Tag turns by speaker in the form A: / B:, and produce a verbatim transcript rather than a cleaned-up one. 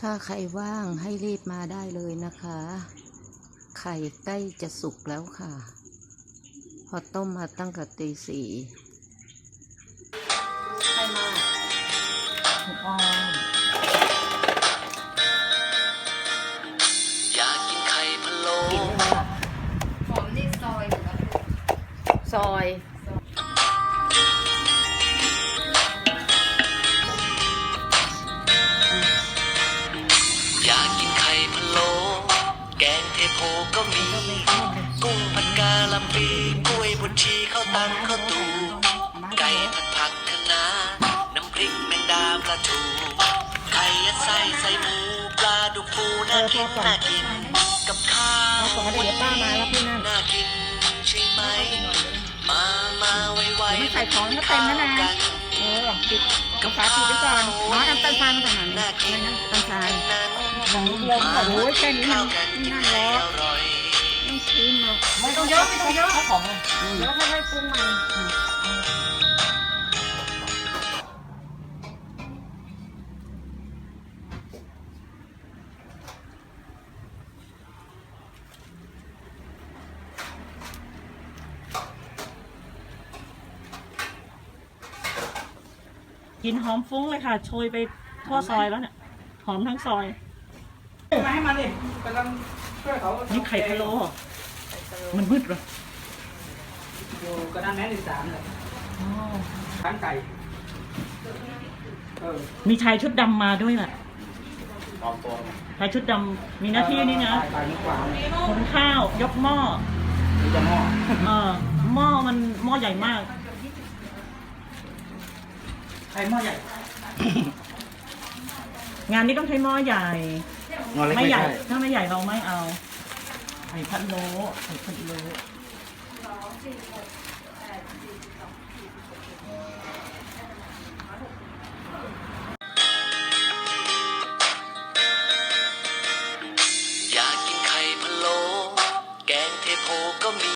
A: ถ้าใครว่างให้รีบมาได้เลยนะคะ ไข่ใกล้จะสุกแล้วค่ะ พอต้มมาตั้งแต่ตีสี่ใครมาถูกออม
B: อยากกินไข่พะโล้
A: กินเลยค่ะ
C: หอมนี่ซอยหรือว่า
A: ซอย
B: อยากกินไข่พะโล้แกงเทโพก็มี กุ้งผัดกาลำปีกล้วยบดชีข้าวตังข้าวตูไก่ผัดผักคะน้าน้ำพริกแมงดาปลาทูไข่ยัดไส้ใส่หมูปลาดุกฟูน่ากินน่ากินกับข้าววันนี้น่ากินใช่ไหมมามาไวๆ
C: ไม่ใส่ของก็เต็มแล้วนะเออปิดกาแฟปิดไว้ก่อนน้อยน้ำตาลทรายมาจากไหนอะไรนะน้ำตาลทรายของลมโอ้ยแค่นี้มันนั่นแล้วไม่ชิมหรอกไม่ต้องเยอะไม่ต้องเยอะเอาของเลยเดี๋ยวค่อยๆปรุงใหม่
D: กลิ่นหอมฟุ้งเลยค่ะโชยไปทั่วซอยแล้วเนี่ยหอมทั้งซอย
E: มาให้มันดิกำลังช่วยเขา
D: นี่ไข่พะโล้เหรอมันมืดเหรอ
E: อยู่กระดานแม่หนึ่งสามเลยร้านไก่เออ
D: มีชายชุดดำมาด้วยแหละ
E: ปลอมตัว
D: ชายชุดดำมีหน้าที่นี่นะ
E: ไก่นี่กว่า
D: หุงข้าวยกหม้อ
E: มีจะหม้อ
D: เออหม้อมันหม้อใหญ่มาก
E: ไข่หม้อใหญ่
D: งานนี้ต้องใช้หม้อใหญ่
E: หม้อเล็ก
D: ไม่
E: ไม่
D: ใหญ่
E: ใช่
D: ถ้าไม่ใหญ่เราไม่เอาไข่พะโล้ไข่พะโล้